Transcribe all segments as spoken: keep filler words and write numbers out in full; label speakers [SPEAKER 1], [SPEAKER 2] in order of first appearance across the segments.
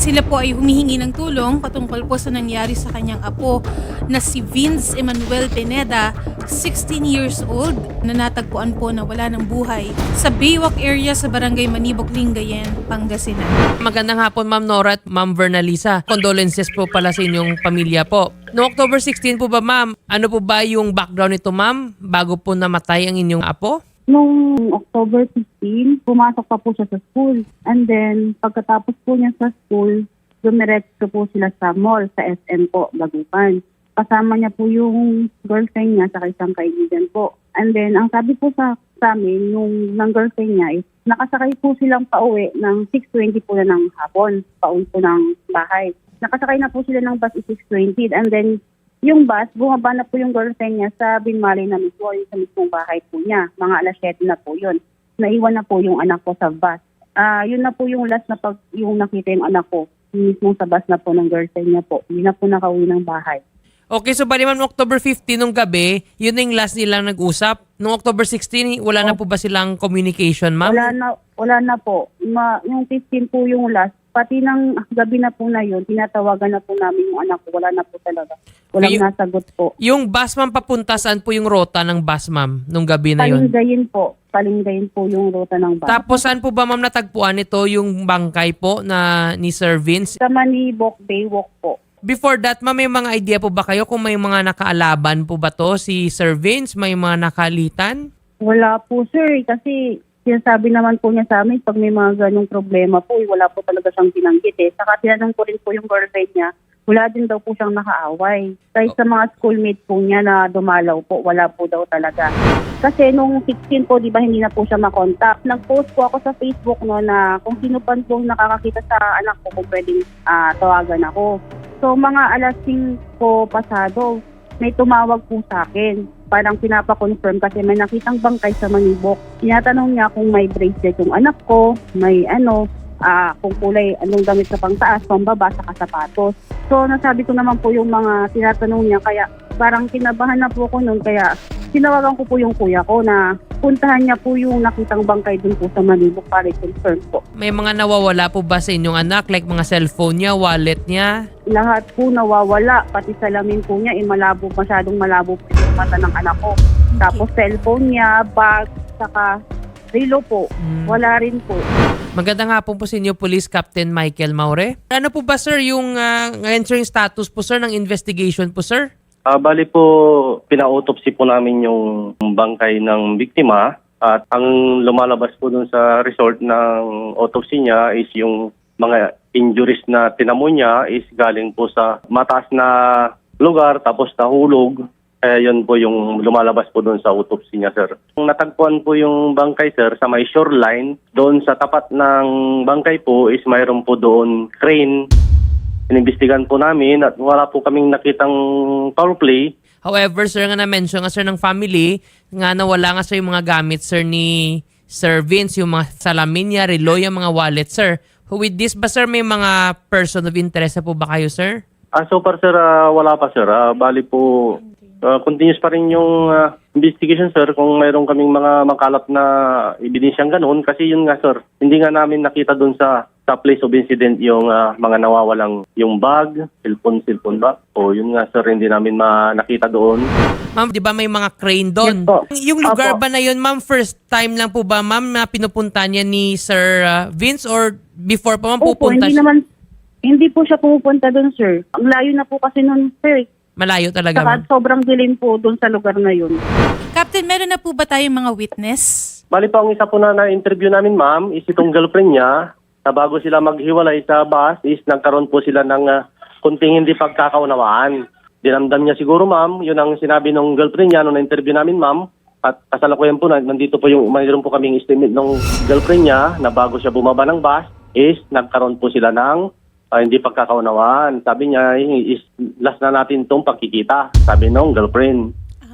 [SPEAKER 1] Sila po ay humihingi ng tulong patungkol po sa nangyari sa kanyang apo na si Vince Emmanuel Pineda, sixteen years old, na natagpuan po na wala ng buhay sa Baywalk area sa Barangay Manibok, Lingayen, Pangasinan.
[SPEAKER 2] Magandang hapon, Ma'am Nora at Ma'am Vernalisa. Condolences po pala sa inyong pamilya po. Noong October sixteen po ba, Ma'am, ano po ba yung background nito, Ma'am, bago po namatay ang inyong apo?
[SPEAKER 3] Nung October fifteen, pumasok pa po siya sa school. And then, pagkatapos po niya sa school, dumiretso po sila sa mall, sa S M po, Dagupan. Kasama niya po yung girlfriend niya sa isang kaibigan po. And then, ang sabi po sa, sa amin, yung ng girlfriend niya is, nakasakay po silang pauwi ng six twenty po na ng hapon, pauwi po ng bahay. Nakasakay na po sila ng bus is six twenty. And then, yung bus, bumaba na po yung girlfriend niya sa Binmali na mismo, yung sa mismong bahay po niya. Mga alas siyete na po yun. Naiwan na po yung anak ko sa bus. Ah, yun na po yung last na pag yung nakita yung anak ko. Yung mismong sa bus na po ng girlfriend niya po. Hindi na po nakauwi ng bahay.
[SPEAKER 2] Okay, so bali, Ma'am, October fifteen nung gabi, yun na yung last nilang nag-usap. Noong October sixteen, wala na po ba silang communication, Ma'am?
[SPEAKER 3] Wala na, wala na po. Ma, yung fifteen po yung last. Pati ng gabi na po na yun, tinatawagan na po namin yung anak ko. Wala na po talaga. Walang
[SPEAKER 2] Okay, yung-
[SPEAKER 3] nasagot po.
[SPEAKER 2] Yung bus, Ma'am, papunta, saan po yung rota ng bus, Ma'am, nung gabi na yun?
[SPEAKER 3] Palinggayin po. Palinggayin po yung ruta ng bus.
[SPEAKER 2] Tapos saan po ba, Ma'am, natagpuan ito yung bangkay po na ni Sir Vince?
[SPEAKER 3] Sa Manibok, Baywalk po.
[SPEAKER 2] Before that, Ma'am, may mga idea po ba kayo kung may mga nakaalaban po ba to si Sir Vince? May mga nakalitan?
[SPEAKER 3] Wala po, sir. Kasi sinasabi naman po niya sa amin, pag may mga ganong problema po, eh, wala po talaga siyang binanggit eh. Saka tinanong ko rin po yung girlfriend niya, wala din daw po siyang nakaaway. Kahit sa mga schoolmate po niya na dumalaw po, wala po daw talaga. Kasi nung sixteen po, di ba, hindi na po siya makontak. Nag-post po ako sa Facebook no na kung sino pa po nakakakita sa anak ko, kung pwedeng ah, tawagan ako. So mga alas singko pasado, may tumawag po sa akin. Parang pinapa-confirm kasi may nakitang bangkay sa Manibok. Tinatanong niya kung may bracelet yung anak ko, may ano, ah, kung kulay, anong damit sa pangtaas, pambaba, saka sapatos. So nasabi ko naman po yung mga tinatanong niya, kaya parang kinabahan na po ko noon, kaya tinawagan ko po yung kuya ko na puntahan niya po yung nakitang bangkay dun po sa Manibok para i-confirm po.
[SPEAKER 2] May mga nawawala po ba sa inyong anak? Like mga cellphone niya, wallet niya?
[SPEAKER 3] Lahat po nawawala, pati salamin po niya, eh, malabo, masyadong malabo po yung mata ng anak ko. Tapos cellphone niya, bag, saka relo po,
[SPEAKER 2] Hmm.
[SPEAKER 3] wala rin po.
[SPEAKER 2] Magandang hapon po sa inyo, Police Captain Michael Maure. Ano po ba, sir, yung uh, entering status po, sir, ng investigation po, sir?
[SPEAKER 4] Ah, bali po, pina-autopsy po namin yung bangkay ng biktima at ang lumalabas po dun sa result ng autopsy niya is yung mga injuries na tinamo niya is galing po sa mataas na lugar tapos nahulog. Kaya yun po yung lumalabas po doon sa autopsy niya, sir. Natagpuan po yung bangkay, sir, sa may shoreline. Doon sa tapat ng bangkay po is mayroon po doon crane. Inimbestigan po namin at wala po kaming nakitang foul play.
[SPEAKER 2] However, sir, nga na-mention nga, sir, ng family, nga nawala nga, sir, yung mga gamit, sir, ni Sir Vince, yung mga salamin niya, relo, yung mga wallet, sir. With this ba, sir, may mga person of interest na po ba kayo, sir?
[SPEAKER 4] Ah, so far, sir, ah, wala pa, sir. Ah, bali po, ah, continuous pa rin yung ah, investigation, sir, kung mayroon kaming mga makalap na ebidensyang ganun. Kasi yun nga, sir, hindi nga namin nakita doon sa sa place of incident yung ah, mga nawawalang yung bag, cellphone, cellphone ba? O yun nga, sir, hindi namin ma- nakita doon.
[SPEAKER 2] Ma'am, di ba may mga crane doon?
[SPEAKER 3] Yes po.
[SPEAKER 2] Yung lugar
[SPEAKER 3] Opo.
[SPEAKER 2] ba na yun, ma'am, first time lang po ba, ma'am, na pinupunta niya ni Sir ah, Vince or before pa, ma'am,
[SPEAKER 3] Opo,
[SPEAKER 2] pupunta
[SPEAKER 3] hindi
[SPEAKER 2] siya?
[SPEAKER 3] naman, hindi po siya pumupunta doon, sir. Ang layo na po kasi noon, sir.
[SPEAKER 2] Malayo talaga,
[SPEAKER 3] Saka
[SPEAKER 2] ma'am.
[SPEAKER 3] sobrang dilim po doon sa lugar na yun.
[SPEAKER 1] Captain, meron na po ba tayong mga witness?
[SPEAKER 4] Bali po, ang isa po na na-interview namin, ma'am, is itong girlfriend niya. Na bago sila maghiwalay sa bus is nagkaroon po sila ng uh, kunting hindi pagkakaunawaan. Dinamdam niya siguro, ma'am, yun ang sinabi ng girlfriend niya nung na-interview namin, ma'am. At kasalukuyan po, na, nandito po yung, mayroon po kaming estimate ng girlfriend niya na bago siya bumaba ng bus is nagkaroon po sila ng uh, hindi pagkakaunawaan. Sabi niya, is last na natin itong pagkikita, sabi ng girlfriend.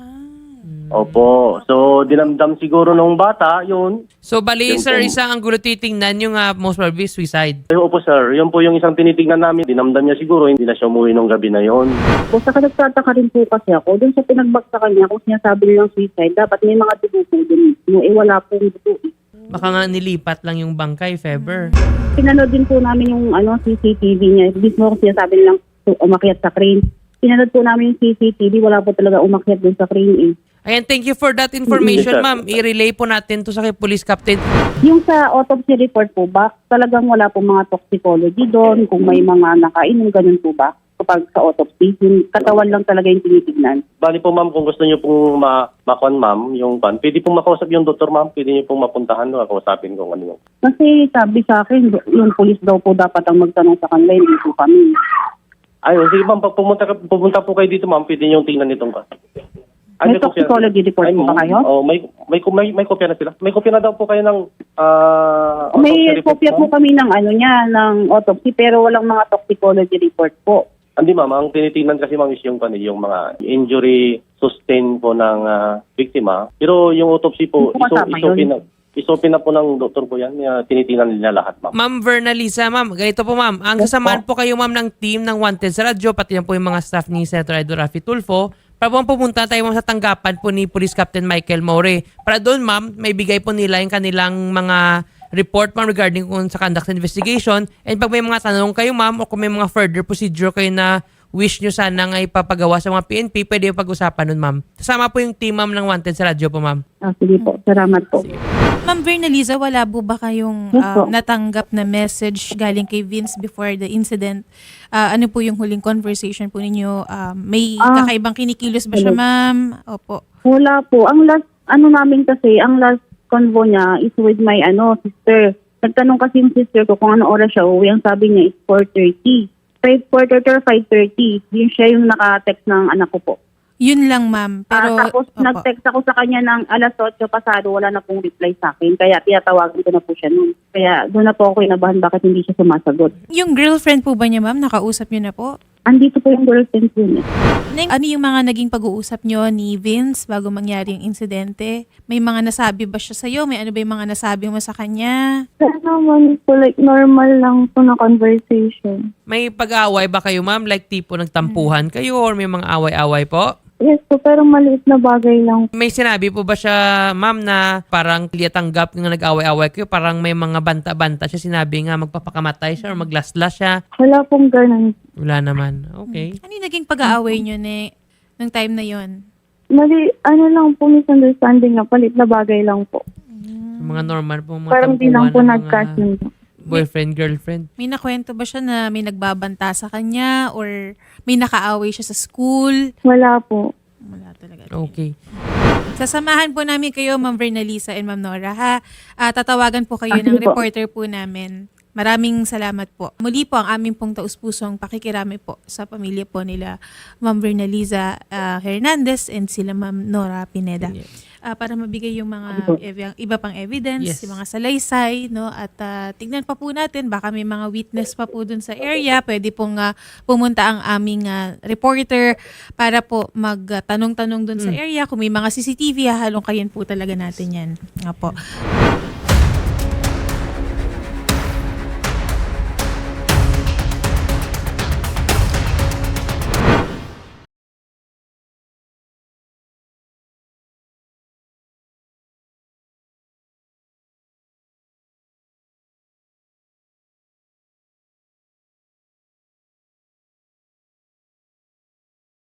[SPEAKER 4] Opo. So, dinamdam siguro nung bata, yun.
[SPEAKER 2] So, bali,
[SPEAKER 4] Yun
[SPEAKER 2] sir,
[SPEAKER 4] po.
[SPEAKER 2] isang ang gulo titingnan yung uh, most probably suicide.
[SPEAKER 4] Ay, opo, sir. Yun po yung isang tinitignan namin. Dinamdam niya siguro, hindi na siya umuwi nung gabi na yon.
[SPEAKER 3] O saka nagtataka rin po kasi ako, doon sa pinagbagsakan niya, kung sinasabi nilang suicide, dapat may mga dugo po doon. No, eh, wala pong dugo.
[SPEAKER 2] Baka nga nilipat lang yung bangkay, if ever.
[SPEAKER 3] Pinanood din po namin yung ano, C C T V niya. Mismo kasi sinasabi nilang umakyat sa crane. Pinanood po namin yung C C T V, wala po talaga umakyat dun sa crane eh.
[SPEAKER 2] Ayan, thank you for that information,
[SPEAKER 4] Yes, sir.
[SPEAKER 2] ma'am. I-relay po natin to sa kay Police Captain.
[SPEAKER 3] Yung sa autopsy report po ba, talagang wala po mga toxicology doon, kung may mga nakainom, ganun po ba? Kapag sa autopsy, yung katawan lang talaga yung tinitignan.
[SPEAKER 4] Bali po ma'am, kung gusto niyo pong ma makuan ma'am, yung pan, pwede pong makausap yung doktor ma'am, pwede niyo pong mapuntahan no, kausapin kung ano yung.
[SPEAKER 3] Kasi sabi sa akin, yung police daw po dapat ang magtanong sa kanila, hindi po kami.
[SPEAKER 4] Ayun, sige ma'am, pag pumunta, ka- pumunta po kayo dito ma'am, pwede niyo tingnan itong ka.
[SPEAKER 3] May toxicology report po ba kayo?
[SPEAKER 4] Oh, may may may may kopya na sila. May kopya na daw po kayo ng ah
[SPEAKER 3] May
[SPEAKER 4] autopsy report,
[SPEAKER 3] kopya po
[SPEAKER 4] ma'am.
[SPEAKER 3] kami ng ano niya, ng autopsy, pero walang mga toxicology report po.
[SPEAKER 4] Hindi ma'am, ang tinitingnan kasi ma'am is yung pan yung mga injury sustain po ng ah, biktima. Pero yung autopsy po,
[SPEAKER 3] Hindi po
[SPEAKER 4] iso,
[SPEAKER 3] kasama
[SPEAKER 4] isopin
[SPEAKER 3] yun.
[SPEAKER 4] na isopin na po ng doktor po yan. Uh, tinitingnan nila lahat ma'am.
[SPEAKER 2] Ma'am Vernalisa, ma'am, ganito po ma'am. Ang sasamahan po kayo ma'am ng team ng Wanted sa radyo, pati yan po yung mga staff ni Senator Edo Rafi Tulfo. Para po pumunta tayo ma'am sa tanggapan po ni Police Captain Michael More. Para doon ma'am, may bigay po nila yung kanilang mga report ma'am regarding kung sa conduct ng investigation. And pag may mga tanong kayo ma'am o kung may mga further procedure kayo na wish nyo sana nga ipapagawa sa mga P N P, pwede yung pag-usapan nun ma'am. Kasama po yung team ma'am ng Wanted sa radyo po ma'am.
[SPEAKER 3] Ah, sige po, salamat po.
[SPEAKER 1] Ma'am Vernaliza, wala po ba kayong
[SPEAKER 3] Yes,
[SPEAKER 1] ah,
[SPEAKER 3] po.
[SPEAKER 1] natanggap na message galing kay Vince before the incident? Ah, ano po yung huling conversation po ninyo? Ah, may
[SPEAKER 3] Ah,
[SPEAKER 1] kakaibang kinikilos ba siya,
[SPEAKER 3] hello.
[SPEAKER 1] ma'am? Opo.
[SPEAKER 3] Wala po. Ang last, ano namin kasi, ang last convo niya is with my ano sister. Nagtanong kasi yung sister ko kung ano oras siya uuwi. Ang sabi niya is four thirty. five, four thirty or five thirty. Yun siya yung naka-text ng anak ko po.
[SPEAKER 1] Yun lang, ma'am. Pero,
[SPEAKER 3] Ah, tapos
[SPEAKER 1] opo.
[SPEAKER 3] nag-text ako sa kanya ng alas otso pasado, wala na pong reply sa akin. Kaya tinatawagan ko na po siya noon. Kaya doon na po ako inabahan bakit hindi siya sumasagot.
[SPEAKER 1] Yung girlfriend po ba niya, ma'am? Nakausap niyo na po?
[SPEAKER 3] Andito po yung girlfriend ko niya.
[SPEAKER 1] Neng, ano yung mga naging pag-uusap niyo ni Vince bago mangyari yung insidente? May mga nasabi ba siya sa'yo? May ano ba yung mga nasabi mo sa kanya?
[SPEAKER 3] Kaya naman po, like normal lang po na conversation.
[SPEAKER 2] May pag-aaway ba kayo ma'am? Like tipo nagtampuhan kayo or may mga away-away po?
[SPEAKER 3] Yes po, pero maliit na bagay lang.
[SPEAKER 2] May sinabi po ba siya, ma'am, na parang liyatanggap nga nag-away-away kayo, parang may mga banta-banta siya, sinabi nga magpapakamatay siya or maglaslas siya?
[SPEAKER 3] Wala pong ganun.
[SPEAKER 2] Wala naman. Okay.
[SPEAKER 1] Ano yung naging pag-aaway niyo ne, nung time na yon?
[SPEAKER 3] Mali, ano lang po, misunderstanding na palit na bagay lang po.
[SPEAKER 2] Mga normal po, mga
[SPEAKER 3] Parang di lang po
[SPEAKER 2] tampuhan ng mga
[SPEAKER 3] nagkasundo.
[SPEAKER 2] boyfriend, girlfriend.
[SPEAKER 1] May nakwento ba siya na may nagbabanta sa kanya or may nakaaway siya sa school?
[SPEAKER 3] Wala po.
[SPEAKER 1] Wala talaga.
[SPEAKER 2] Okay.
[SPEAKER 1] Sasamahan po namin kayo, Ma'am Vernalisa and Ma'am Nora, ha? Ah, tatawagan po kayo
[SPEAKER 3] Ah,
[SPEAKER 1] ng
[SPEAKER 3] sige po.
[SPEAKER 1] reporter po namin. Maraming salamat po. Muli po ang aming pong taus-pusong pakikirami po sa pamilya po nila Ma'am Vernalisa ah, Hernandez and sila Ma'am Nora Pineda. Ah, para mabigay yung mga ev- iba pang evidence,
[SPEAKER 2] Yes.
[SPEAKER 1] yung mga salaysay, no? At ah, tignan pa po natin, baka may mga witness pa po dun sa area. Pwede pong ah, pumunta ang aming ah, reporter para po magtanong-tanong dun sa area. Kung may mga C C T V, hahalong kayan po talaga natin yan. Nga po.